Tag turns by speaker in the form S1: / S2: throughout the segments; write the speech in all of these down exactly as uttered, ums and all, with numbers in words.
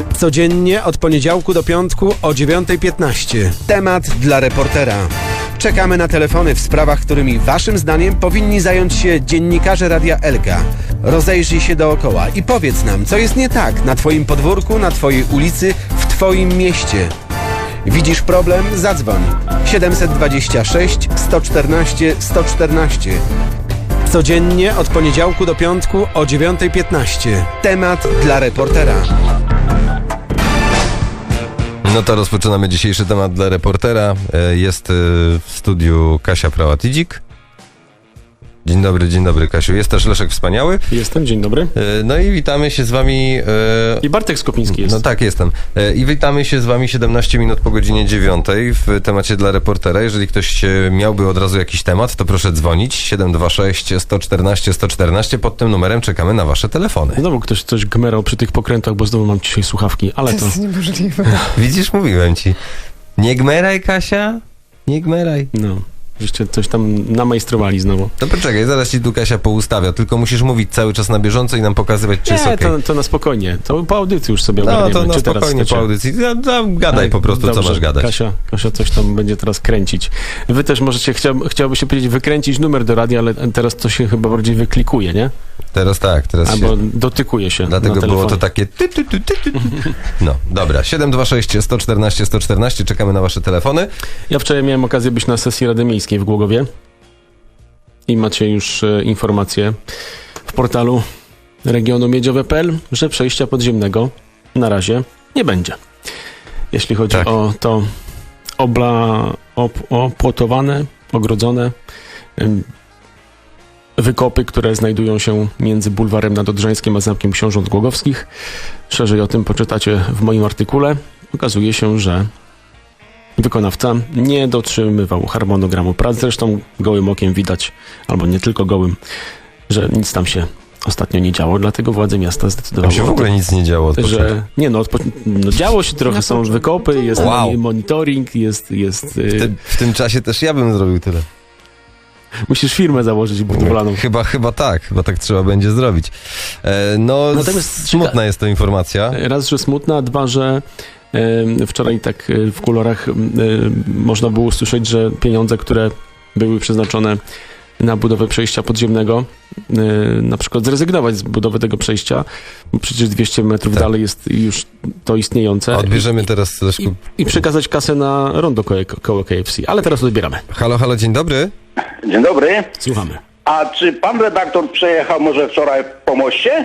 S1: Codziennie od poniedziałku do piątku o dziewiąta piętnaście. Temat dla reportera. Czekamy na telefony w sprawach, którymi waszym zdaniem powinni zająć się dziennikarze Radia Elka. Rozejrzyj się dookoła i powiedz nam, co jest nie tak na twoim podwórku, na twojej ulicy, w twoim mieście. Widzisz problem? Zadzwoń. siedem dwa sześć, sto czternaście, sto czternaście. Codziennie od poniedziałku do piątku o dziewiąta piętnaście. Temat dla reportera.
S2: No to rozpoczynamy dzisiejszy temat dla reportera. Jest w studiu Kasia Prałat-Idzik. Dzień dobry, dzień dobry, Kasiu. Jest też Leszek Wspaniały.
S3: Jestem, dzień dobry.
S2: No i witamy się z wami...
S3: I Bartek Skopiński jest.
S2: No tak, jestem. I witamy się z wami siedemnaście minut po godzinie dziewiątej w temacie dla reportera. Jeżeli ktoś miałby od razu jakiś temat, to proszę dzwonić. siedem dwa sześć, sto czternaście, sto czternaście. Pod tym numerem czekamy na wasze telefony.
S3: Znowu ktoś coś gmerał przy tych pokrętach, bo znowu mam dzisiaj słuchawki, ale to...
S4: To jest niemożliwe.
S2: Widzisz, mówiłem ci. Nie gmeraj, Kasia. Nie gmeraj.
S3: No. Żeście coś tam namajstrowali znowu.
S2: To poczekaj, zaraz ci tu Kasia poustawia, tylko musisz mówić cały czas na bieżąco i nam pokazywać, czy
S3: Nie,
S2: jest okej.
S3: to, to na spokojnie. To po audycji już sobie
S2: No
S3: ogarniemy.
S2: to na
S3: Czy teraz
S2: spokojnie
S3: chcecie?
S2: po audycji. Ja, ja, gadaj
S3: Tak,
S2: po prostu,
S3: dobrze.
S2: co masz gadać.
S3: Kasia, Kasia coś tam będzie teraz kręcić. Wy też możecie, chciał, chciałoby się powiedzieć, wykręcić numer do radia, ale teraz to się chyba bardziej wyklikuje, nie?
S2: Teraz tak, teraz
S3: Albo
S2: się...
S3: dotykuje się.
S2: Dlatego
S3: na
S2: było to
S3: telefonie.
S2: takie... Ty, ty, ty, ty, ty. No, dobra. siedem dwa sześć, sto czternaście, sto czternaście. Czekamy na wasze telefony.
S3: Ja wczoraj miałem okazję być na sesji Rady Miejskiej w Głogowie i macie już e, informację w portalu regionu miedziowe kropka p l, że przejścia podziemnego na razie nie będzie. Jeśli chodzi
S2: Tak.
S3: o to obla, op, opłotowane, ogrodzone em, wykopy, które znajdują się między bulwarem Nadodrzańskim a Zamkiem Książąt Głogowskich. Szerzej o tym poczytacie w moim artykule. Okazuje się, że wykonawca nie dotrzymywał harmonogramu prac. Zresztą gołym okiem widać, albo nie tylko gołym, że nic tam się ostatnio nie działo. Dlatego władze miasta
S2: Tam
S3: zdecydowały,
S2: się w ogóle nic nie działo od początku.
S3: że nie no, odpo... no działo się trochę, są wykopy, jest
S2: Wow.
S3: monitoring, jest... jest
S2: W,
S3: y...
S2: tym, w tym czasie też ja bym zrobił tyle.
S3: Musisz firmę założyć budowlaną.
S2: Chyba, chyba tak. Chyba tak trzeba będzie zrobić. E, no,
S3: Natomiast
S2: smutna jest to informacja.
S3: Raz, że smutna, dwa, że e, wczoraj tak e, w kolorach e, można było usłyszeć, że pieniądze, które były przeznaczone na budowę przejścia podziemnego, e, na przykład zrezygnować z budowy tego przejścia, bo przecież dwieście metrów
S2: Tak.
S3: dalej jest już to istniejące.
S2: Odbierzemy teraz, Leszku.
S3: I, I przekazać kasę na rondo koło, koło K F C. Ale teraz odbieramy.
S2: Halo, halo, dzień dobry.
S5: Dzień dobry.
S3: Słuchamy.
S5: A czy pan redaktor przejechał może wczoraj po moście?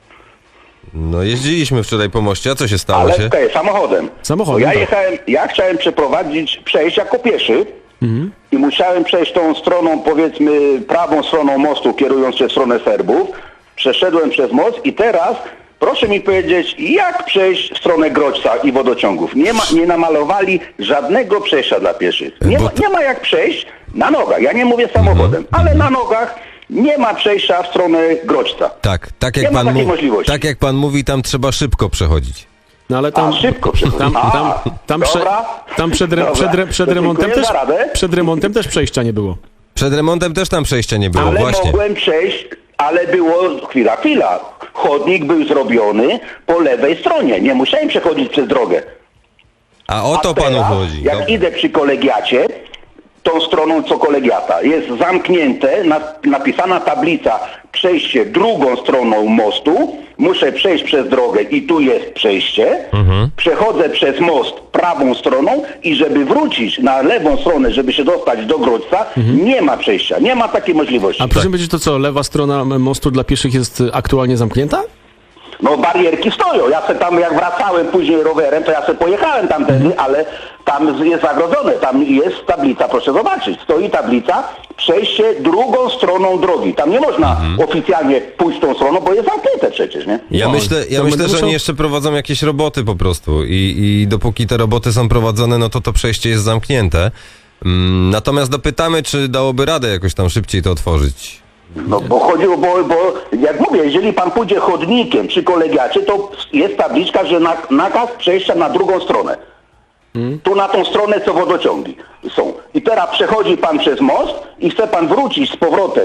S2: No jeździliśmy wczoraj po moście, a co się stało
S5: Ale
S2: się?
S5: okej, samochodem.
S3: Samochodem,
S5: Bo ja
S3: tak.
S5: jechałem, ja chciałem przeprowadzić, przejść jako pieszy
S3: Mhm.
S5: i musiałem przejść tą stroną, powiedzmy prawą stroną mostu, kierując się w stronę Serbów. Przeszedłem przez most i teraz proszę mi powiedzieć, jak przejść w stronę Grodźca i wodociągów. Nie ma, nie namalowali żadnego przejścia dla pieszych. Nie
S2: Bo
S5: ma,
S2: to-
S5: nie ma jak przejść na nogach. Ja nie mówię samochodem, ale na nogach nie ma przejścia w stronę Grodźca.
S2: Tak, tak
S5: Nie
S2: jak,
S5: ma
S2: pan
S5: takiej
S2: mu-
S5: możliwości.
S2: tak jak pan mówi, tam trzeba szybko przechodzić.
S3: No ale tam...
S5: A, szybko przechodzi.
S3: Tam,
S5: A,
S3: tam, tam, prze,
S5: dobra.
S3: tam przed, re,
S5: Dobra.
S3: przed, re, przed
S5: To
S3: remontem
S5: dziękuję
S3: też
S5: za radę.
S3: przed remontem też przejścia nie było.
S2: Przed remontem też tam przejścia nie było,
S5: Ale
S2: właśnie.
S5: mogłem przejść, ale było, chwila, chwila. Chodnik był zrobiony po lewej stronie. Nie musiałem przechodzić przez drogę.
S2: A o
S5: A
S2: to
S5: teraz,
S2: panu chodzi.
S5: jak
S2: Dobrze.
S5: idę przy kolegiacie, tą stroną co kolegiata, jest zamknięte, na, napisana tablica przejście drugą stroną mostu, muszę przejść przez drogę i tu jest przejście,
S2: Mhm.
S5: przechodzę przez most prawą stroną i żeby wrócić na lewą stronę, żeby się dostać do Grodźca, nie ma przejścia, nie ma takiej możliwości.
S3: A proszę powiedzieć, to co, lewa strona mostu dla pieszych jest aktualnie zamknięta?
S5: No barierki stoją. Ja se tam jak wracałem później rowerem, to ja sobie pojechałem tamtędy, ale tam jest zagrodzone. Tam jest tablica, proszę zobaczyć. Stoi tablica, przejście drugą stroną drogi. Tam nie można oficjalnie pójść tą stroną, bo jest zamknięte przecież, nie?
S2: Ja
S3: No,
S2: myślę, ja
S3: to
S2: myślę
S3: będę
S2: że
S3: musiał-
S2: oni jeszcze prowadzą jakieś roboty po prostu i, i dopóki te roboty są prowadzone, no to to przejście jest zamknięte. Mm, natomiast dopytamy, czy dałoby radę jakoś tam szybciej to otworzyć.
S5: No bo chodziło, bo, bo jak mówię, jeżeli pan pójdzie chodnikiem przy kolegiacie, to jest tabliczka, że na, nakaz przejścia na drugą stronę. Tu na tą stronę, co wodociągi są. I teraz przechodzi pan przez most i chce pan wrócić z powrotem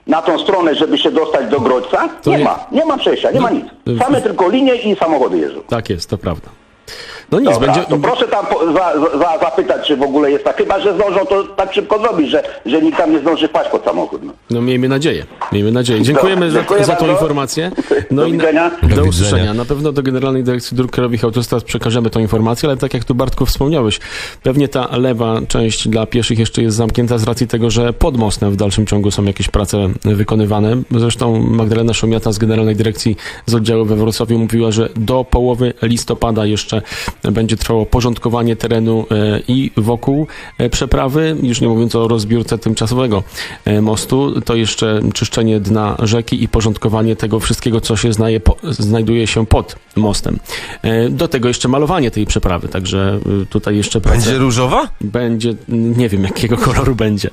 S5: na tą stronę, żeby się dostać do Grodźca?
S3: To
S5: Nie
S3: nie-
S5: ma, nie ma przejścia, nie
S3: No,
S5: ma nic.
S3: y-
S5: Same tylko linie i samochody jeżdżą.
S3: Tak jest, to prawda. No nic,
S5: Dobra,
S3: będzie...
S5: to proszę tam po, za, za, zapytać, czy w ogóle jest tak. Chyba że zdążą to tak szybko zrobić, że, że nikt tam nie zdąży wpaść pod samochód. No.
S3: No miejmy nadzieję, miejmy nadzieję. Dziękujemy za,
S5: Dziękuję
S3: za tą
S5: bardzo.
S3: informację.
S5: Do
S3: No i
S5: widzenia.
S3: Do,
S2: Do
S3: usłyszenia.
S2: widzenia.
S3: Na pewno do Generalnej Dyrekcji Dróg Krajowych Autostrad przekażemy tą informację, ale tak jak tu Bartku wspomniałeś, pewnie ta lewa część dla pieszych jeszcze jest zamknięta z racji tego, że pod mostem w dalszym ciągu są jakieś prace wykonywane. Zresztą Magdalena Szomiata z Generalnej Dyrekcji z oddziału we Wrocławiu mówiła, że do połowy listopada jeszcze będzie trwało porządkowanie terenu e, i wokół e, przeprawy, już nie mówiąc o rozbiórce tymczasowego e, mostu, to jeszcze czyszczenie dna rzeki i porządkowanie tego wszystkiego, co się znaje, po, znajduje się pod mostem. E, do tego jeszcze malowanie tej przeprawy, także e, tutaj jeszcze prace-
S2: Będzie różowa?
S3: będzie, nie wiem jakiego koloru będzie. E,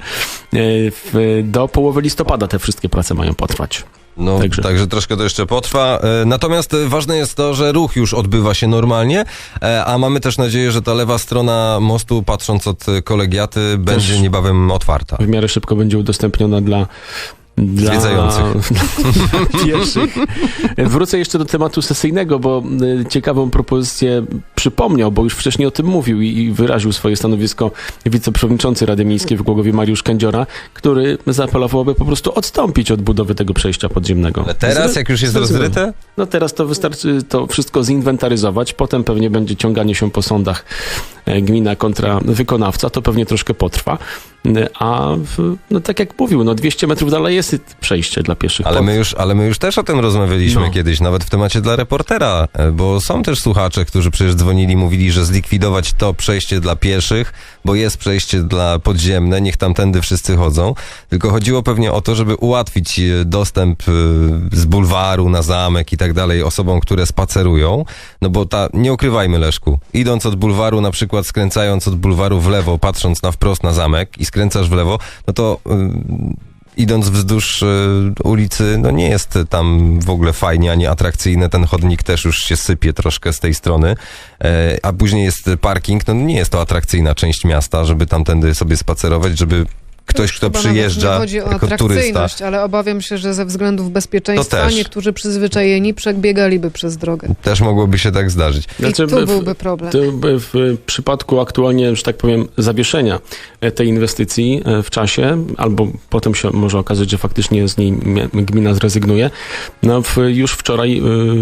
S3: w, do połowy listopada te wszystkie prace mają potrwać.
S2: No,
S3: Także.
S2: także troszkę to jeszcze potrwa. E, Natomiast e, ważne jest to, że ruch już odbywa się normalnie, e, a mamy też nadzieję, że ta lewa strona mostu, patrząc od e, kolegiaty, będzie niebawem otwarta.
S3: W miarę szybko będzie udostępniona dla Dla
S2: Zwiedzających.
S3: dla pieszych. Wrócę jeszcze do tematu sesyjnego, bo y, ciekawą propozycję przypomniał, bo już wcześniej o tym mówił i, i wyraził swoje stanowisko wiceprzewodniczący Rady Miejskiej w Głogowie Mariusz Kędziora, który zaapelował, aby po prostu odstąpić od budowy tego przejścia podziemnego.
S2: Ale teraz,
S3: Zre-
S2: jak już jest
S3: zrezygnował.
S2: rozryte?
S3: No teraz to wystarczy to wszystko zinwentaryzować, potem pewnie będzie ciąganie się po sądach e, gmina kontra wykonawca, to pewnie troszkę potrwa, E, a w, no tak jak mówił, no dwieście metrów dalej jest przejście dla pieszych.
S2: Ale
S3: Pod-
S2: my, już, ale my już też o tym rozmawialiśmy
S3: No.
S2: kiedyś, nawet w temacie dla reportera, e, bo są też słuchacze, którzy przecież dzwonili, mówili, że zlikwidować to przejście dla pieszych, bo jest przejście dla podziemne, niech tamtędy wszyscy chodzą. Tylko chodziło pewnie o to, żeby ułatwić e, dostęp e, z bulwaru na zamek i tak dalej osobom, które spacerują, no bo ta, nie ukrywajmy Leszku, idąc od bulwaru, na przykład skręcając od bulwaru w lewo, patrząc na wprost na zamek i skręcasz w lewo, no to y, idąc wzdłuż y, ulicy, no nie jest tam w ogóle fajnie, ani atrakcyjne. Ten chodnik też już się sypie troszkę z tej strony. E, a później jest parking, no nie jest to atrakcyjna część miasta, żeby tamtędy sobie spacerować, żeby ktoś, kto
S4: Chyba nawet
S2: przyjeżdża
S4: nie chodzi o
S2: jako turysta.
S4: atrakcyjność, ale obawiam się, że ze względów bezpieczeństwa
S2: To też.
S4: niektórzy przyzwyczajeni przebiegaliby przez drogę.
S2: Też mogłoby się tak zdarzyć.
S3: Znaczy,
S4: I tu
S3: w-
S4: byłby problem.
S3: To w, w przypadku aktualnie, że tak powiem, zawieszenia e, tej inwestycji e, w czasie, albo potem się może okazać, że faktycznie z niej mia- gmina zrezygnuje, no w, już wczoraj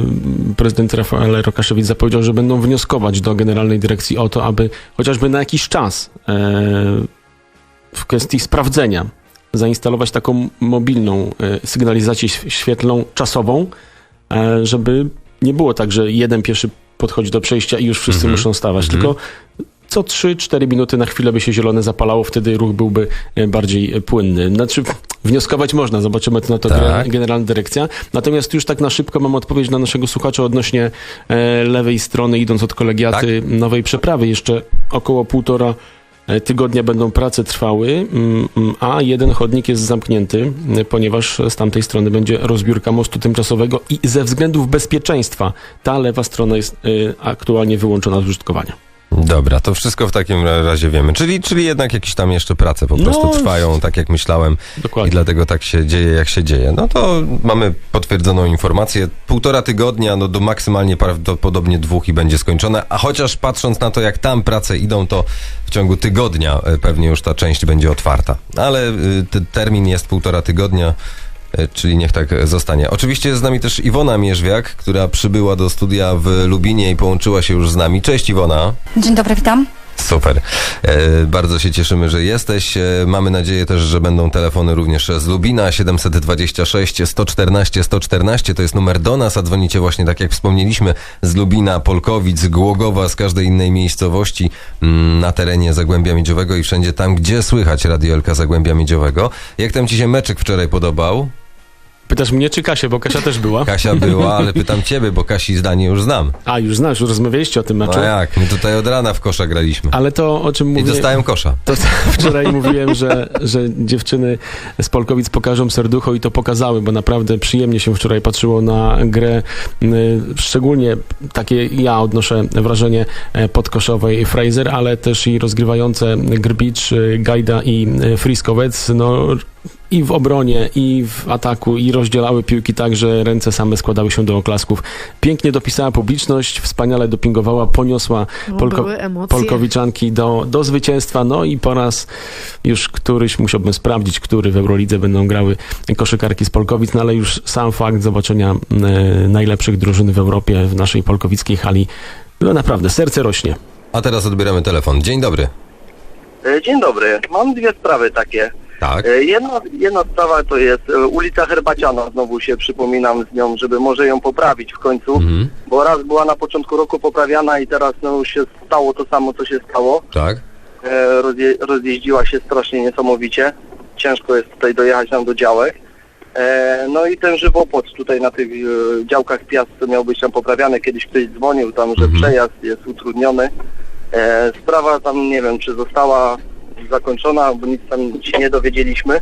S3: y, prezydent Rafael Rokaszewicz zapowiedział, że będą wnioskować do Generalnej Dyrekcji o to, aby chociażby na jakiś czas e, w kwestii sprawdzenia zainstalować taką mobilną e, sygnalizację ś- świetlną czasową, e, żeby nie było tak, że jeden pieszy podchodzi do przejścia i już wszyscy
S2: Mhm.
S3: muszą stawać,
S2: Mhm.
S3: tylko co trzy cztery minuty na chwilę by się zielone zapalało, wtedy ruch byłby e, bardziej e, płynny. Znaczy, wnioskować można, zobaczymy to na to
S2: Tak.
S3: Genera- Generalna Dyrekcja. Natomiast już tak na szybko mam odpowiedź na naszego słuchacza odnośnie e, lewej strony, idąc od kolegiaty nowej przeprawy. Jeszcze około półtora e, tygodnia będą prace trwały, mm, mm, a jeden chodnik jest zamknięty, e, ponieważ z tamtej strony będzie rozbiórka mostu tymczasowego i ze względów bezpieczeństwa ta lewa strona jest e, aktualnie wyłączona z użytkowania.
S2: Dobra, to wszystko w takim razie wiemy. Czyli, czyli jednak jakieś tam jeszcze prace po
S3: No,
S2: prostu trwają, tak jak myślałem.
S3: Dokładnie.
S2: I dlatego tak się dzieje, jak się dzieje. No to mamy potwierdzoną informację. Półtora tygodnia, no do maksymalnie prawdopodobnie dwóch i będzie skończone. A chociaż patrząc na to, jak tam prace idą, to w ciągu tygodnia e, pewnie już ta część będzie otwarta. Ale y, te- termin jest półtora tygodnia. e, Czyli niech tak zostanie. Oczywiście jest z nami też Iwona Mierzwiak, która przybyła do studia w Lubinie i połączyła się już z nami. Cześć Iwona.
S6: Dzień dobry, witam.
S2: Super. E, bardzo się cieszymy, że jesteś. E, mamy nadzieję też, że będą telefony również z Lubina. siedem dwa sześć, sto czternaście, sto czternaście to jest numer do nas, a dzwonicie właśnie, tak jak wspomnieliśmy, z Lubina, Polkowic, Głogowa, z każdej innej miejscowości mm, na terenie Zagłębia Miedziowego i wszędzie tam, gdzie słychać Radio Elka Zagłębia Miedziowego. Jak tam ci się meczek wczoraj podobał?
S3: Pytasz mnie czy Kasię, bo Kasia też była.
S2: Kasia była, ale pytam ciebie, bo Kasi zdanie już znam.
S3: A, już znasz, już rozmawialiście o tym meczu.
S2: No jak? My tutaj od rana w kosza graliśmy.
S3: Ale to, o czym
S2: I
S3: mówię...
S2: dostałem kosza.
S3: To wczoraj mówiłem, że, że dziewczyny z Polkowic pokażą serducho i to pokazały, bo naprawdę przyjemnie się wczoraj patrzyło na grę. y, Szczególnie takie ja odnoszę wrażenie e, podkoszowej Fraser, ale też i rozgrywające Grbicz, y, Gajda i y, Friskowec. No, i w obronie, i w ataku, i rozdzielały piłki tak, że ręce same składały się do oklasków. Pięknie dopisała publiczność, wspaniale dopingowała, poniosła
S4: No,
S3: Polko-
S4: były emocje.
S3: Polkowiczanki do, do zwycięstwa. No i po raz już któryś, musiałbym sprawdzić, który w Eurolidze będą grały koszykarki z Polkowic, no ale już sam fakt zobaczenia e, najlepszych drużyn w Europie w naszej polkowickiej hali, no naprawdę, serce rośnie.
S2: A teraz odbieramy telefon. Dzień dobry.
S6: E, Dzień dobry. Mam dwie sprawy takie.
S2: Tak.
S6: E, Jedna, jedna sprawa to jest e, ulica Herbaciana. Znowu się przypominam z nią, żeby może ją poprawić w końcu,
S2: Mhm.
S6: bo raz była na początku roku poprawiana i teraz no, już się stało to samo, co się stało.
S2: Tak.
S6: E, rozje, rozjeździła się strasznie niesamowicie. Ciężko jest tutaj dojechać nam do działek. E, no i ten żywopłot tutaj na tych e, działkach Piast miał być tam poprawiany. Kiedyś ktoś dzwonił tam, że
S2: Mhm.
S6: przejazd jest utrudniony. E, sprawa tam nie wiem, czy została zakończona, bo nic tam się nie dowiedzieliśmy.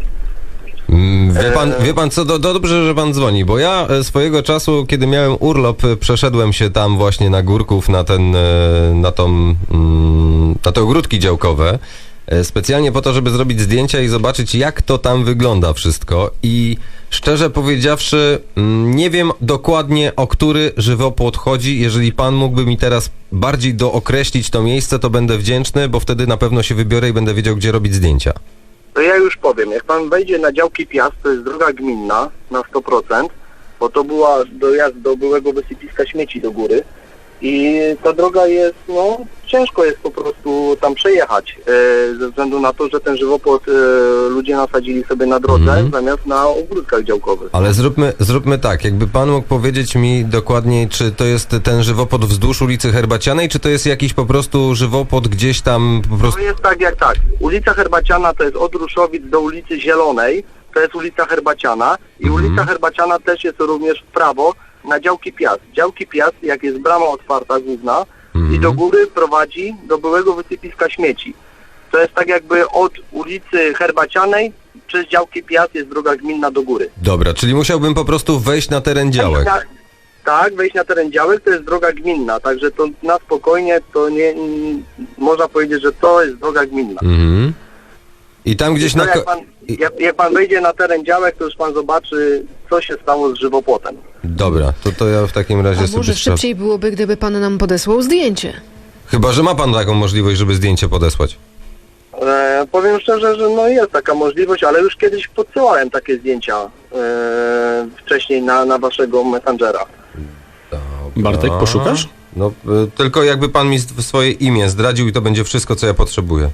S2: Mm, Wie pan, wie pan co, do, dobrze, że pan dzwoni, bo ja e, swojego czasu, kiedy miałem urlop, e, przeszedłem się tam właśnie na Górków, na ten, e, na tą, mm, na te ogródki działkowe, e, specjalnie po to, żeby zrobić zdjęcia i zobaczyć, jak to tam wygląda wszystko. I szczerze powiedziawszy, mm, nie wiem dokładnie, o który żywopłot chodzi. Jeżeli pan mógłby mi teraz bardziej dookreślić to miejsce, to będę wdzięczny, bo wtedy na pewno się wybiorę i będę wiedział, gdzie robić zdjęcia.
S6: To ja już powiem, jak pan wejdzie na działki Piast, to jest droga gminna na sto procent, bo to była dojazd do byłego wysypiska śmieci do góry i ta droga jest, no ciężko jest po prostu tam przejechać, e, ze względu na to, że ten żywopłot e, ludzie nasadzili sobie na drodze
S2: Mhm.
S6: zamiast na ogródkach działkowych.
S2: Ale zróbmy, zróbmy tak, jakby pan mógł powiedzieć mi dokładniej, czy to jest ten żywopłot wzdłuż ulicy Herbacianej, czy to jest jakiś po prostu żywopłot gdzieś tam po prostu...
S6: To jest tak jak tak. Ulica Herbaciana to jest od Ruszowic do ulicy Zielonej, to jest ulica Herbaciana i
S2: Mhm.
S6: ulica Herbaciana też jest również w prawo na działki Piast. Działki Piast, jak jest brama otwarta główna
S2: Mhm.
S6: i do góry prowadzi do byłego wysypiska śmieci. To jest tak jakby od ulicy Herbacianej przez działki Piast jest droga gminna do góry.
S2: Dobra, czyli musiałbym po prostu wejść na teren działek.
S6: Na, tak, wejść na teren działek to jest droga gminna, także to na spokojnie to nie... m, można powiedzieć, że to jest droga gminna.
S2: Mhm. I tam gdzieś
S6: To
S2: na...
S6: jak,
S2: ko-
S6: pan,
S2: i-
S6: jak, jak pan wejdzie na teren działek, to już pan zobaczy, co się stało z żywopłotem.
S2: Dobra, to, to ja w takim razie
S4: A
S2: sobie...
S4: może
S2: spra-
S4: szybciej byłoby, gdyby pan nam podesłał zdjęcie.
S2: Chyba, że ma pan taką możliwość, żeby zdjęcie podesłać.
S6: E, powiem szczerze, że no jest taka możliwość, ale już kiedyś podsyłałem takie zdjęcia e, wcześniej na, na waszego Messengera.
S3: Bartek,
S2: A,
S3: poszukasz?
S2: No, y, tylko jakby pan mi s- swoje imię zdradził i to będzie wszystko, co ja potrzebuję.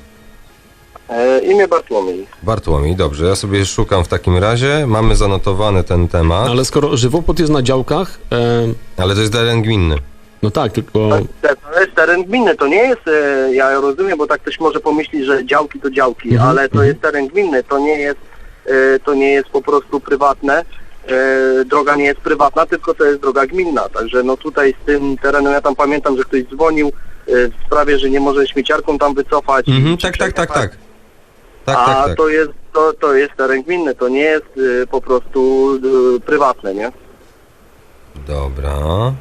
S6: E, imię Bartłomiej.
S2: Bartłomiej, dobrze, ja sobie szukam w takim razie. Mamy zanotowany ten temat,
S3: Ale skoro żywopłot jest na działkach, e,
S2: ale to jest teren gminny.
S3: no tak, tylko...
S6: To, to jest teren gminny, to nie jest, e, ja rozumiem, bo tak ktoś może pomyśleć, że działki to działki,
S3: Mhm,
S6: ale to jest teren gminny, to nie jest, e, to nie jest po prostu prywatne, e, droga nie jest prywatna, tylko to jest droga gminna, także no tutaj z tym terenem, ja tam pamiętam, że ktoś dzwonił e, w sprawie, że nie może śmieciarką tam wycofać.
S2: Mhm,
S6: czy
S2: tak, tak, tak,
S6: przejechać.
S2: tak. Tak,
S6: A
S2: tak, tak.
S6: to jest, to, to jest teren gminny, to nie jest e, po prostu e, prywatne, nie?
S2: Dobra.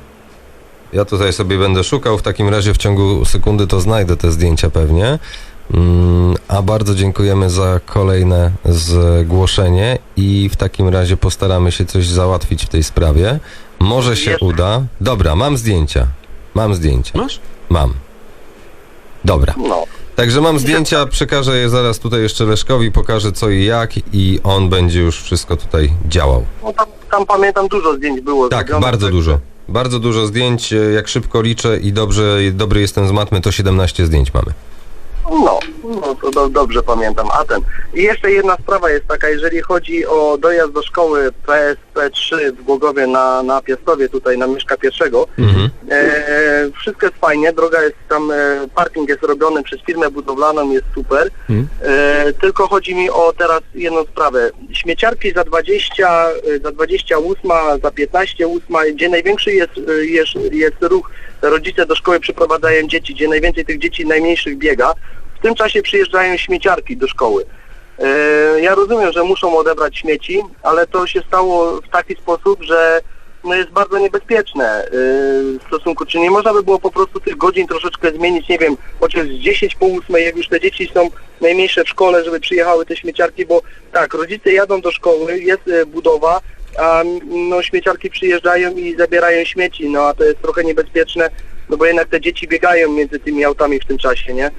S2: Ja tutaj sobie będę szukał, w takim razie w ciągu sekundy to znajdę te zdjęcia pewnie. Mm, a bardzo dziękujemy za kolejne zgłoszenie i w takim razie postaramy się coś załatwić w tej sprawie. Może się
S6: Jeszcze-
S2: uda. Dobra, mam zdjęcia. Mam zdjęcia.
S3: Masz?
S2: Mam. Dobra.
S6: No.
S2: Także mam zdjęcia, przekażę je zaraz tutaj jeszcze Leszkowi, pokażę co i jak i on będzie już wszystko tutaj działał.
S6: No tam, tam pamiętam dużo zdjęć było.
S2: Tak,
S6: zrobionych,
S2: bardzo
S6: także-
S2: dużo. Bardzo dużo zdjęć, e, jak szybko liczę i dobrze, dobry jestem z matmy, to siedemnaście zdjęć mamy.
S6: No, no to do, dobrze pamiętam. A ten. I jeszcze jedna sprawa jest taka, jeżeli chodzi o dojazd do szkoły P S P trzy w Głogowie na, na Piastowie, tutaj na Mieszka pierwszego.
S2: Mhm.
S6: E, wszystko jest fajnie, droga jest tam, e, parking jest robiony przez firmę budowlaną, jest super.
S3: Mhm.
S6: E, tylko chodzi mi o teraz jedną sprawę. Śmieciarki za dwadzieścia, e, za dwadzieścia osiem, za piętnaście osiem, gdzie największy jest, e, jest, jest ruch, rodzice do szkoły przyprowadzają dzieci, gdzie najwięcej tych dzieci najmniejszych biega. W tym czasie przyjeżdżają śmieciarki do szkoły. E, ja rozumiem, że muszą odebrać śmieci, ale to się stało w taki sposób, że no jest bardzo niebezpieczne yy, w stosunku, czy nie można by było po prostu tych godzin troszeczkę zmienić, nie wiem, chociaż z dziesięć po ósmej, jak już te dzieci są najmniejsze w szkole, żeby przyjechały te śmieciarki, bo tak, rodzice jadą do szkoły, jest y, budowa, a no śmieciarki przyjeżdżają i zabierają śmieci, no a to jest trochę niebezpieczne, no bo jednak te dzieci biegają między tymi autami w tym czasie, nie?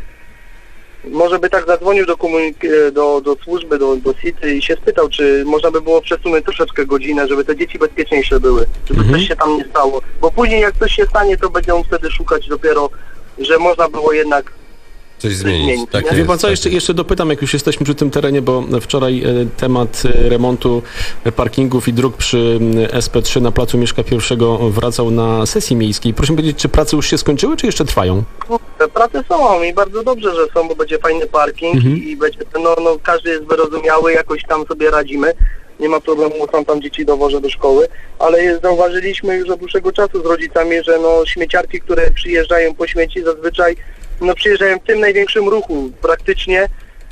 S6: Może by tak zadzwonił do, komunik- do, do służby, do, do SIT-y i się spytał, czy można by było przesunąć troszeczkę godzinę, żeby te dzieci bezpieczniejsze były, żeby
S3: Mhm.
S6: coś się tam nie stało. Bo później jak coś się stanie, to będą wtedy szukać dopiero, że można było jednak...
S2: Coś zmienić.
S6: zmienić,
S2: Tak
S6: nie?
S3: Wie
S2: jest,
S3: pan co,
S2: tak
S3: jeszcze,
S2: jest.
S3: jeszcze dopytam, jak już jesteśmy przy tym terenie, bo wczoraj e, temat e, remontu e, parkingów i dróg przy m, S P trzy na Placu Mieszka I wracał na sesji miejskiej. Proszę mi powiedzieć, czy prace już się skończyły, czy jeszcze trwają?
S6: Te prace są i bardzo dobrze, że są, bo będzie fajny parking
S3: Mhm.
S6: i, i będzie, no, no każdy jest wyrozumiały, jakoś tam sobie radzimy. Nie ma problemu, sam tam dzieci dowożę do szkoły, ale jest, zauważyliśmy już od dłuższego czasu z rodzicami, że no śmieciarki, które przyjeżdżają po śmieci, zazwyczaj no przyjeżdżają w tym największym ruchu praktycznie,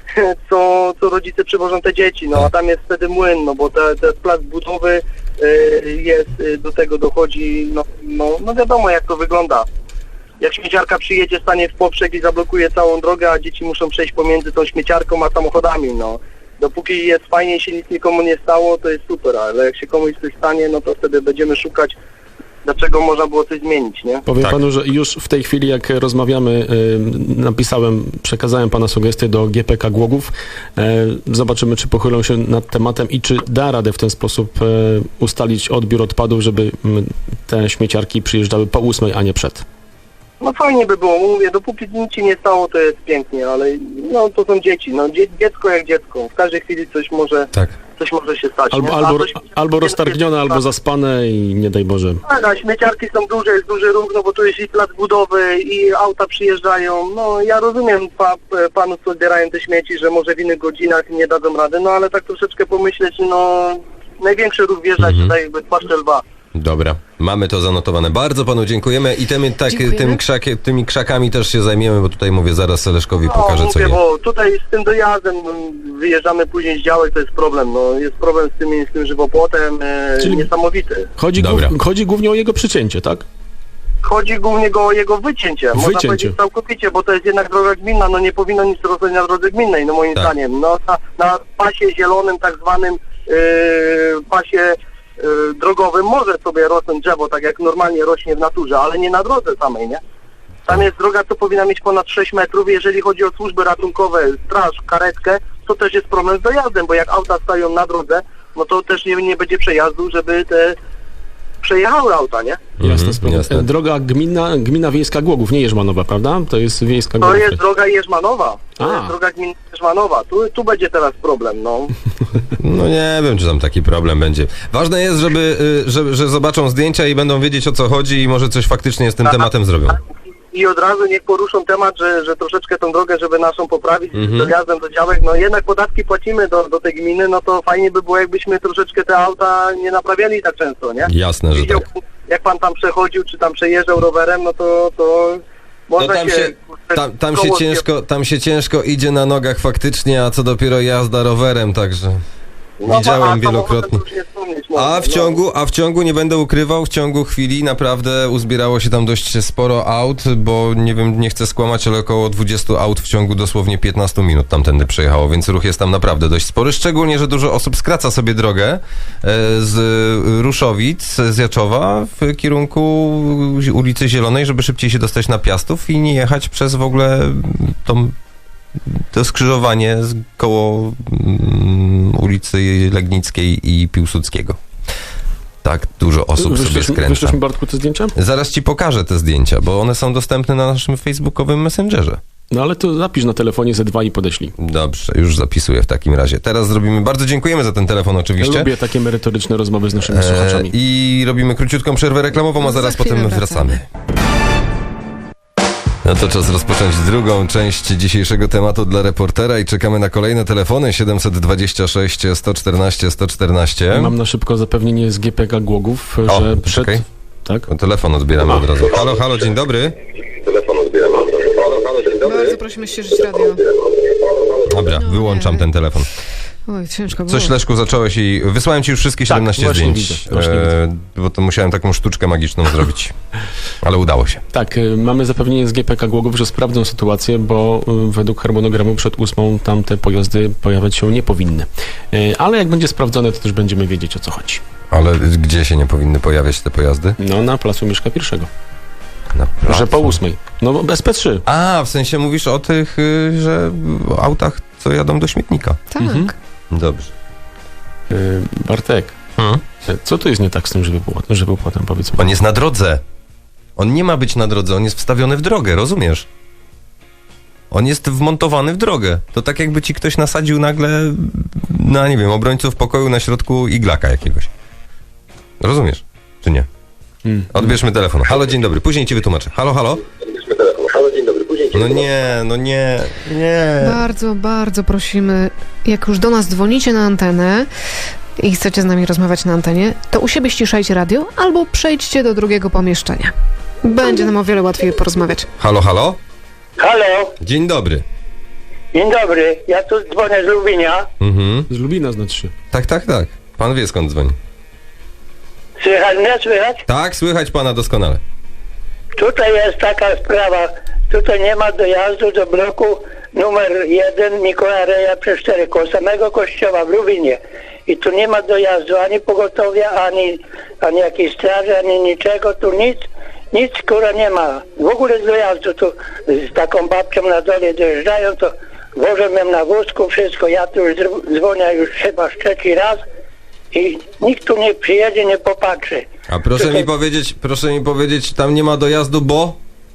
S6: co, co rodzice przywożą te dzieci, no a tam jest wtedy młyn, no bo te, te plac budowy y, jest, y, do tego dochodzi, no, no, no wiadomo jak to wygląda. Jak śmieciarka przyjedzie, stanie w poprzek i zablokuje całą drogę, a dzieci muszą przejść pomiędzy tą śmieciarką a samochodami, no. Dopóki jest fajnie, się nic nikomu nie stało, to jest super, ale jak się komuś coś stanie, no to wtedy będziemy szukać, dlaczego można było coś zmienić, nie?
S3: Powiem
S2: Tak.
S3: panu, że już w tej chwili, jak rozmawiamy, y, napisałem, przekazałem pana sugestie do G P K Głogów. E, Zobaczymy, czy pochylą się nad tematem i czy da radę w ten sposób e, ustalić odbiór odpadów, żeby m, te śmieciarki przyjeżdżały po ósmej, a nie przed.
S6: No fajnie by było, mówię, dopóki nic się nie stało, to jest pięknie, ale no to są dzieci, no dzie- dziecko jak dziecko, w każdej chwili coś może,
S2: Tak.
S6: coś może się stać.
S3: Albo,
S6: nie? A
S3: albo,
S6: to śmieciarki
S3: albo
S6: jest
S3: roztargnione,
S6: bezpieczne.
S3: albo zaspane i nie daj Boże.
S6: Tak, a śmieciarki są duże, jest duży ruch, no bo tu jest i plac budowy, i auta przyjeżdżają. No ja rozumiem pa, panów, co zbierają te śmieci, że może w innych godzinach nie dadzą rady, no ale tak troszeczkę pomyśleć, no największy ruch wjeżdżać
S2: Mhm.
S6: tutaj jakby płaszcze lwa.
S2: Dobra, mamy to zanotowane. Bardzo panu dziękujemy i tymi, tak,
S4: Dziękujemy.
S2: tym krzakie, tymi krzakami też się zajmiemy, bo tutaj mówię, zaraz Leszkowi
S6: No
S2: pokażę, co
S6: mówię,
S2: nie.
S6: bo tutaj z tym dojazdem no, wyjeżdżamy później z działek, to jest problem, no jest problem z tym, z tym żywopłotem e,
S3: Czyli-
S6: niesamowity.
S3: Chodzi,
S2: Dobra.
S3: głów, chodzi głównie o jego przycięcie, tak?
S6: Chodzi głównie go o jego wycięcie, można
S3: Wycięcie.
S6: powiedzieć całkowicie, bo to jest jednak droga gminna, no nie powinno nic rosnąć na drodze gminnej, no moim
S2: Tak.
S6: zdaniem. No na, na pasie zielonym, tak zwanym yy, pasie yy, drogowym może sobie rosnąć drzewo, tak jak normalnie rośnie w naturze, ale nie na drodze samej, nie? Tam jest droga, co powinna mieć ponad sześć metrów, jeżeli chodzi o służby ratunkowe, straż, karetkę, to też jest problem z dojazdem, bo jak auta stoją na drodze, no to też nie, nie będzie przejazdu, żeby te przejechały auta, nie?
S3: Jasna
S2: Mhm,
S3: sprawa.
S2: jasne.
S3: Droga gminna, gmina wiejska Głogów, nie Jerzmanowa, prawda? To jest wiejska
S6: To
S3: Głogów.
S6: jest droga Jerzmanowa. To
S3: A.
S6: jest droga gmina Jerzmanowa. Tu, tu będzie teraz problem, no.
S2: No nie wiem, czy tam taki problem będzie. Ważne jest, żeby, y, że, że zobaczą zdjęcia i będą wiedzieć, o co chodzi i może coś faktycznie z tym
S6: Tak.
S2: tematem zrobią.
S6: I od razu niech poruszą temat, że, że troszeczkę tą drogę, żeby naszą poprawić
S2: Mhm.
S6: z dojazdem do działek. No jednak podatki płacimy do, do tej gminy, no to fajnie by było, jakbyśmy troszeczkę te auta nie naprawiali tak często, nie?
S2: Jasne, że
S6: Widział,
S2: tak.
S6: jak pan tam przechodził, czy tam przejeżdżał rowerem, no to, to
S2: No
S6: można
S2: tam
S6: się...
S2: się, tam, tam, się
S6: koło-
S2: ciężko, tam się ciężko idzie na nogach faktycznie, a co dopiero jazda rowerem, także
S6: No,
S2: widziałem
S6: a samochodem
S2: wielokrotnie.
S6: to już nie wspomnieć można,
S2: A w
S6: no.
S2: ciągu, a w ciągu, nie będę ukrywał, w ciągu chwili naprawdę uzbierało się tam dość sporo aut, bo nie wiem, nie chcę skłamać, ale około dwudziestu aut w ciągu dosłownie piętnastu minut tamtędy przejechało, więc ruch jest tam naprawdę dość spory, szczególnie, że dużo osób skraca sobie drogę e, z Ruszowic, z Jaczowa w kierunku ulicy Zielonej, żeby szybciej się dostać na Piastów i nie jechać przez w ogóle tą to skrzyżowanie z koło mm, ulicy Legnickiej i Piłsudskiego. Tak dużo osób sobie
S3: Wyślesz,
S2: skręca.
S3: wyślesz mi, Bartku, te zdjęcia?
S2: Zaraz ci pokażę te zdjęcia, bo one są dostępne na naszym facebookowym messengerze.
S3: No ale to zapisz na telefonie ze dwa i podeślij.
S2: Dobrze, już zapisuję w takim razie. Teraz zrobimy, bardzo dziękujemy za ten telefon
S3: Ja
S2: oczywiście.
S3: lubię takie merytoryczne rozmowy z naszymi
S2: E,
S3: słuchaczami.
S2: I robimy króciutką przerwę reklamową, a
S4: Za
S2: zaraz
S4: chwilę
S2: potem
S4: wracamy.
S2: wracamy. No to czas rozpocząć drugą część dzisiejszego tematu dla reportera i czekamy na kolejne telefony siedemset dwadzieścia sześć sto czternaście sto czternaście.
S3: Mam na szybko zapewnienie z G P K Głogów,
S2: O,
S3: że przed...
S2: poczekaj.
S3: Tak?
S2: No, telefon odbieramy od razu. Halo, halo, dzień dobry.
S6: Telefon odbieram. Halo, halo, dzień
S4: Bardzo prosimy ścieżyć radio.
S2: Dobra,
S4: No,
S2: wyłączam
S4: nie.
S2: ten telefon.
S4: Oj, ciężko było.
S2: Coś, Leszku, zacząłeś i wysłałem ci już wszystkie
S3: Tak,
S2: siedemnaście
S3: właśnie
S2: zdjęć,
S3: widzę, właśnie
S2: e, bo to musiałem taką sztuczkę magiczną zrobić, ale udało się.
S3: Tak, y, mamy zapewnienie z G P K Głogów, że sprawdzą sytuację, bo y, według harmonogramu przed ósmą tamte pojazdy pojawiać się nie powinny. Y, Ale jak będzie sprawdzone, to też będziemy wiedzieć, o co chodzi.
S2: Ale gdzie się nie powinny pojawiać te pojazdy?
S3: No, na placu Mieszka I.
S2: Na
S3: Że po
S2: placu.
S3: ósmej. No, bo bez P trzy.
S2: A, w sensie mówisz o tych, y, że o autach, co jadą do śmietnika.
S4: Tak.
S3: Mhm.
S2: Dobrze.
S3: Y, Bartek,
S2: Hmm?
S3: y, co tu jest nie tak z tym żywopłotem, żywopłotem powiedz mi?
S2: On jest na drodze. On nie ma być na drodze, on jest wstawiony w drogę, rozumiesz? On jest wmontowany w drogę. To tak jakby ci ktoś nasadził nagle, no nie wiem, obrońców pokoju na środku iglaka jakiegoś. Rozumiesz? Czy nie?
S3: Mm.
S2: Odbierzmy telefon. Halo, dzień dobry. Później ci wytłumaczę. Halo, halo?
S6: Halo, dzień dobry, później
S2: No nie, no nie, nie.
S4: Bardzo, bardzo prosimy, jak już do nas dzwonicie na antenę i chcecie z nami rozmawiać na antenie, to u siebie ściszajcie radio albo przejdźcie do drugiego pomieszczenia. Będzie nam o wiele łatwiej porozmawiać.
S2: Halo, halo?
S7: Halo,
S2: Dzień dobry.
S7: dzień dobry. Ja tu dzwonię z Lubinia.
S2: Mhm.
S3: Z Lubina znaczy się.
S2: Tak, tak, tak. Pan wie, skąd dzwoni.
S7: Słychać mnie? Słychać?
S2: Tak, słychać pana doskonale.
S7: Tutaj jest taka sprawa. Tutaj nie ma dojazdu do bloku numer jeden Mikołaja Reja przez cztery, koło samego kościoła w Lubinie. I tu nie ma dojazdu ani pogotowia, ani, ani jakiejś straży, ani niczego. Tu nic, nic kurwa nie ma. W ogóle z dojazdu tu z taką babcią na dole dojeżdżają, to wożę mnie na wózku, wszystko. Ja tu już dzwonię już chyba trzeci raz. I nikt tu nie przyjedzie, nie popatrzy.
S2: A proszę
S7: Tutaj-
S2: mi powiedzieć, proszę mi powiedzieć, tam nie ma dojazdu, bo?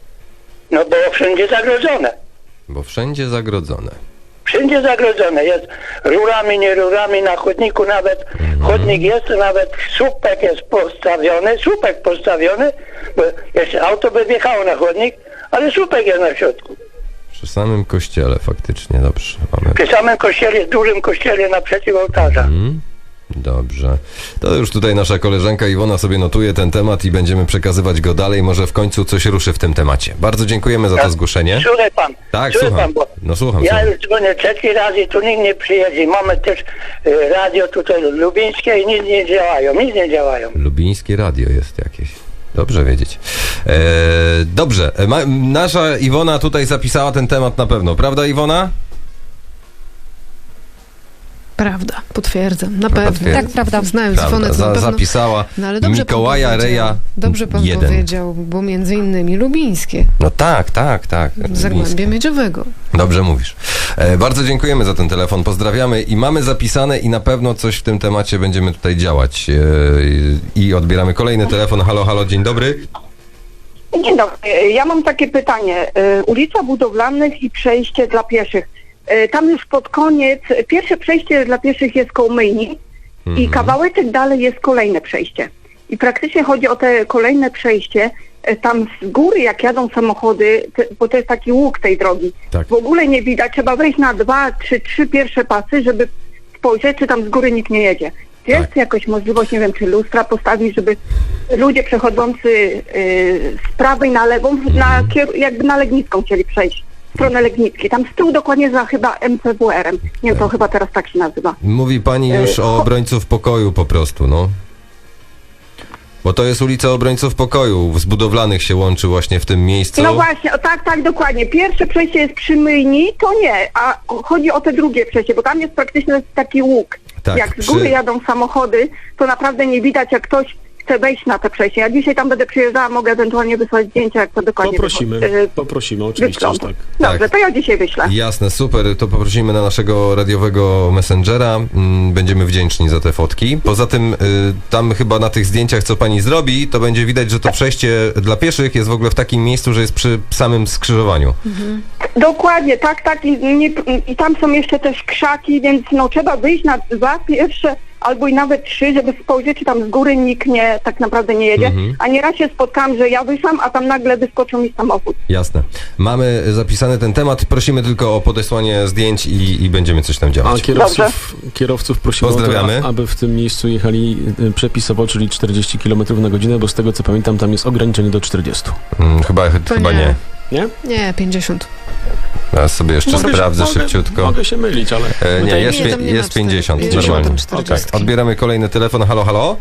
S7: No bo wszędzie zagrodzone.
S2: Bo wszędzie zagrodzone.
S7: Wszędzie zagrodzone. Jest rurami, nie rurami, na chodniku nawet. Chodnik jest, nawet słupek jest postawiony, słupek postawiony, bo jeszcze auto by wjechało na chodnik, ale słupek jest na środku.
S2: Przy samym kościele faktycznie, dobrze. Mamy...
S7: Przy samym kościele, dużym kościele naprzeciw ołtarza.
S2: Mm, dobrze. To już tutaj nasza koleżanka Iwona sobie notuje ten temat i będziemy przekazywać go dalej. Może w końcu coś ruszy w tym temacie. Bardzo dziękujemy za to zgłoszenie.
S7: Słuchaj pan,
S2: Tak,
S7: słuchaj
S2: słucham.
S7: pan, bo
S2: No słucham,
S7: ja
S2: słucham.
S7: już dzwonię trzeci raz i tu nikt nie przyjedzie. Mamy też y, radio tutaj lubińskie i nic nie działają, nic nie działają.
S2: Lubińskie radio jest jakieś. Dobrze wiedzieć. E, dobrze. E, Ma, nasza Iwona tutaj zapisała ten temat na pewno. Prawda, Iwona?
S4: Prawda, potwierdzam, na
S2: Prawda,
S4: pewno.
S2: twierdzi.
S4: Tak, prawda. Znając
S2: Prawda.
S4: Iwonę, to
S2: Za,
S4: na pewno...
S2: zapisała
S4: No ale dobrze
S2: Mikołaja
S4: pan powiedział.
S2: Reja
S4: Dobrze pan
S2: jeden.
S4: powiedział, bo między innymi lubińskie,
S2: No tak, tak, tak.
S4: Zagłębie
S2: Lubińskie.
S4: Miedziowego.
S2: Dobrze mówisz. E, bardzo dziękujemy za ten telefon, pozdrawiamy i mamy zapisane i na pewno coś w tym temacie będziemy tutaj działać. E, I odbieramy kolejny telefon. Halo, halo, dzień dobry.
S8: Dzień dobry. Ja mam takie pytanie. Y, Ulica Budowlanych i przejście dla pieszych. Y, Tam już pod koniec, pierwsze przejście dla pieszych jest koło myjni i kawałeczek dalej jest kolejne przejście. I praktycznie chodzi o te kolejne przejście. Y, Tam z góry, jak jadą samochody, te, bo to jest taki łuk tej drogi,
S2: Tak.
S8: w ogóle nie widać. Trzeba wejść na dwa, trzy, trzy pierwsze pasy, żeby spojrzeć, czy tam z góry nikt nie jedzie. Jest
S2: Tak.
S8: jakaś możliwość, nie wiem, czy lustra postawić, żeby ludzie przechodzący yy, z prawej na lewą, na, kier- jakby na Legnicką chcieli przejść, w stronę Legnickiej. Tam z tyłu dokładnie za chyba M C W R-em. Nie wiem, to chyba teraz tak się nazywa.
S2: Mówi pani już
S8: E,
S2: o
S8: cho-
S2: obrońców pokoju po prostu, no. Bo to jest ulica Obrońców Pokoju. Z budowlanych się łączy właśnie w tym miejscu.
S8: No właśnie, o, tak, tak, dokładnie. Pierwsze przejście jest przy myjni, to nie, a chodzi o te drugie przejście, bo tam jest praktycznie taki łuk.
S2: Tak,
S8: Jak z
S2: przy-
S8: góry jadą samochody, to naprawdę nie widać, jak ktoś chce wejść na te przejście. Ja dzisiaj tam będę przyjeżdżała, mogę ewentualnie wysłać zdjęcia, jak to dokładnie
S3: Poprosimy,
S8: wycho- y,
S3: poprosimy, oczywiście, że
S8: wygląda.
S3: tak.
S8: Dobrze,
S2: Tak.
S8: to ja dzisiaj wyślę.
S2: Jasne, super. To poprosimy na naszego radiowego messengera. Mm, Będziemy wdzięczni za te fotki. Poza tym y, tam chyba na tych zdjęciach, co pani zrobi, to będzie widać, że to przejście dla pieszych jest w ogóle w takim miejscu, że jest przy samym skrzyżowaniu.
S8: Dokładnie, tak, tak. I, nie, I tam są jeszcze też krzaki, więc no trzeba wyjść na dwa pierwsze albo i nawet trzy, żeby spojrzeć, czy tam z góry nikt nie, tak naprawdę nie jedzie.
S2: Mhm.
S8: A nieraz się spotkałam, że ja wyszłam, a tam nagle wyskoczył mi samochód.
S2: Jasne. Mamy zapisany ten temat. Prosimy tylko o podesłanie zdjęć i, i będziemy coś tam
S3: A
S2: działać.
S3: kierowców, kierowców prosimy o
S2: Pozdrawiamy.
S3: to, aby w tym miejscu jechali y, przepisowo, czyli czterdzieści kilometrów na godzinę, bo z tego co pamiętam, tam jest ograniczenie do czterdziestu.
S2: Mm, Chyba,
S4: To
S2: chyba
S4: nie.
S2: nie.
S3: Nie?
S4: Nie, pięćdziesiąt.
S2: Ja sobie jeszcze
S3: Mogę się-
S2: sprawdzę
S3: mogę-
S2: szybciutko.
S3: Mogę się mylić, ale...
S2: E, nie,
S3: Wydaje-
S2: jest,
S4: Nie, tam
S2: pię-
S4: nie ma
S2: jest
S4: cztery-
S2: pięćdziesiąt,
S4: pięćdziesiąt,
S2: normalnie.
S4: tam czterdzieści.
S2: Tak, odbieramy kolejny telefon. Halo, halo?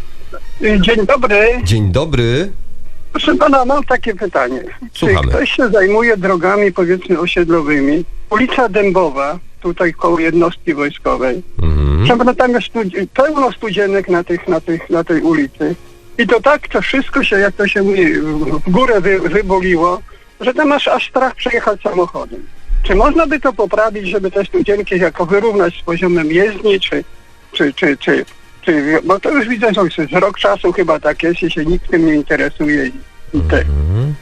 S9: Dzień dobry.
S2: Dzień dobry.
S9: Proszę pana, mam takie pytanie.
S2: Słuchamy.
S9: Czy ktoś się zajmuje drogami, powiedzmy, osiedlowymi? Ulica Dębowa, tutaj koło jednostki wojskowej.
S2: Mhm.
S9: Proszę pana, tam jest studi- pełno studzienek na, tych, na, tych, na tej ulicy. I to tak, to wszystko się, jak to się mówi, w górę wy, wyboliło, że tam masz aż strach przejechać samochodem. Czy można by to poprawić, żeby te studzienki jako wyrównać z poziomem jezdni, czy, czy, czy, czy, czy, bo to już widzę, że jest rok czasu chyba tak jest i się nikt tym nie interesuje. I, i te.
S2: Mhm.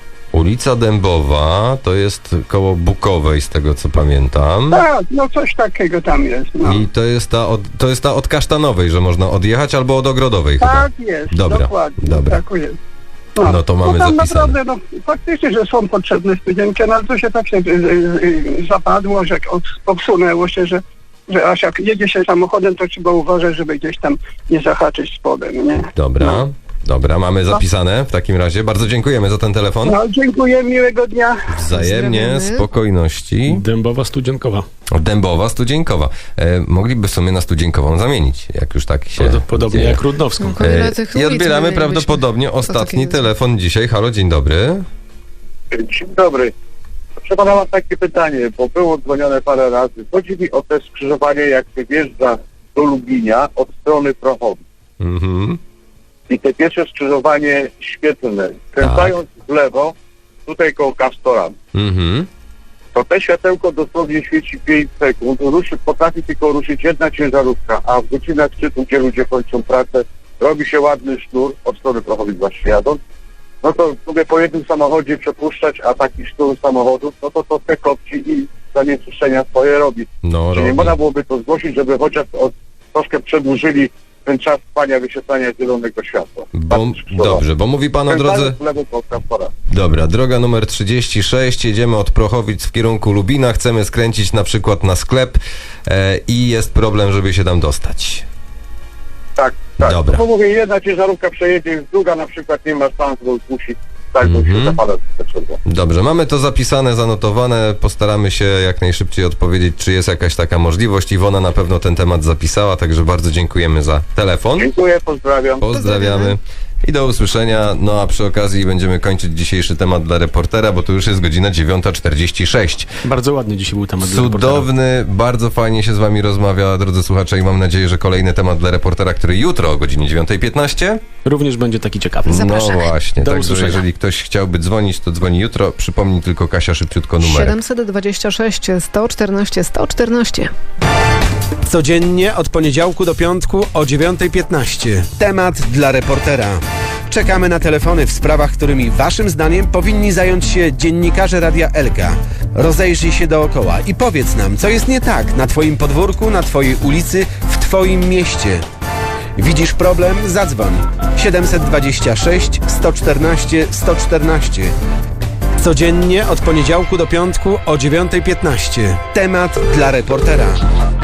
S2: Ulica Dębowa to jest koło Bukowej, z tego co pamiętam.
S9: Tak, no coś takiego tam jest. No.
S2: I to jest ta od, to jest ta od Kasztanowej, że można odjechać, albo od Ogrodowej chyba.
S9: Tak jest,
S2: Dobra,
S9: dokładnie.
S2: dobra.
S9: Tak jest.
S2: No to mamy
S9: no tam
S2: zapisane.
S9: naprawdę, no faktycznie, że są potrzebne studienki, no ale to się tak się y, y, y, zapadło, że od, obsunęło się, że, że aż jak jedzie się samochodem, to trzeba uważać, żeby gdzieś tam nie zahaczyć spodem, nie?
S2: Dobra,
S9: No.
S2: dobra, mamy zapisane w takim razie. Bardzo dziękujemy za ten telefon.
S9: No, dziękuję, miłego dnia.
S2: Wzajemnie,
S4: Pozdrawiamy.
S2: spokojności.
S3: Dębowa Studzienkowa.
S2: Dębowa, Studzienkowa. E, mogliby w sumie na Studzienkową zamienić, jak już tak się
S3: Pod, podobnie
S2: dzieje.
S3: jak Rudnowską.
S4: No, wiele
S2: E,
S4: tych
S2: I
S4: ulic
S2: odbieramy
S4: my
S2: prawdopodobnie
S4: mieliśmy.
S2: ostatni
S4: To takie-
S2: telefon dzisiaj. Halo, dzień dobry.
S6: Dzień dobry. Proszę pana, mam takie pytanie, bo było dzwonione parę razy. Chodzi mi o te skrzyżowanie, jak się wjeżdża do Lubinia od strony Prochowi.
S2: Mhm.
S6: I te pierwsze skrzyżowanie świetlne, kręcając w lewo, tutaj koło Kastorami.
S2: Mhm.
S6: To te światełko dosłownie świeci pięć sekund, ruszy, potrafi tylko ruszyć jedna ciężarówka, a w godzinach szczytu, gdzie ludzie kończą pracę, robi się ładny sznur, od strony Prochowi właśnie jadąc, no to lubię po jednym samochodzie przepuszczać, a taki sznur samochodów, no to to te kopci i zanieczyszczenia swoje robi.
S2: No,
S6: Czy nie
S2: robi.
S6: można byłoby to zgłosić, żeby chociaż od, troszkę przedłużyli ten czas trwania wyświetlania zielonego światła?
S2: Bo, dobrze, bo mówi pan o drodze...
S6: Kręcając w lewo koło Kastora.
S2: Dobra, droga numer trzydzieści sześć, jedziemy od Prochowic w kierunku Lubina, chcemy skręcić na przykład na sklep e, i jest problem, żeby się tam dostać.
S6: Tak, tak.
S2: Dobra.
S6: No bo mówię, jedna ciężarówka przejedzie, druga na przykład nie ma szans, bo musi tak, bo
S2: Mhm.
S6: się zapada potrzeba.
S2: Dobrze, mamy to zapisane, zanotowane, postaramy się jak najszybciej odpowiedzieć, czy jest jakaś taka możliwość. Iwona na pewno ten temat zapisała, także bardzo dziękujemy za telefon.
S6: Dziękuję, pozdrawiam.
S2: Pozdrawiamy i do usłyszenia. No a przy okazji będziemy kończyć dzisiejszy temat dla reportera, bo to już jest godzina dziewiąta czterdzieści sześć.
S3: Bardzo ładny dzisiaj był temat dla reportera.
S2: Cudowny, bardzo fajnie się z wami rozmawia, drodzy słuchacze, i mam nadzieję, że kolejny temat dla reportera, który jutro o godzinie dziewiąta piętnaście.
S3: Również będzie taki ciekawy.
S2: No
S4: Zapraszamy.
S2: właśnie,
S3: Do
S2: także
S3: usłyszenia.
S2: jeżeli ktoś chciałby dzwonić, to dzwoni jutro. Przypomnij tylko, Kasia, szybciutko numer.
S4: siedemset dwadzieścia sześć sto czternaście sto czternaście.
S1: Codziennie od poniedziałku do piątku o dziewiąta piętnaście. Temat dla reportera. Czekamy na telefony w sprawach, którymi waszym zdaniem powinni zająć się dziennikarze Radia Elka. Rozejrzyj się dookoła i powiedz nam, co jest nie tak na twoim podwórku, na twojej ulicy, w twoim mieście. Widzisz problem? Zadzwoń. siedemset dwadzieścia sześć sto czternaście sto czternaście. Codziennie od poniedziałku do piątku o dziewiąta piętnaście. Temat dla reportera.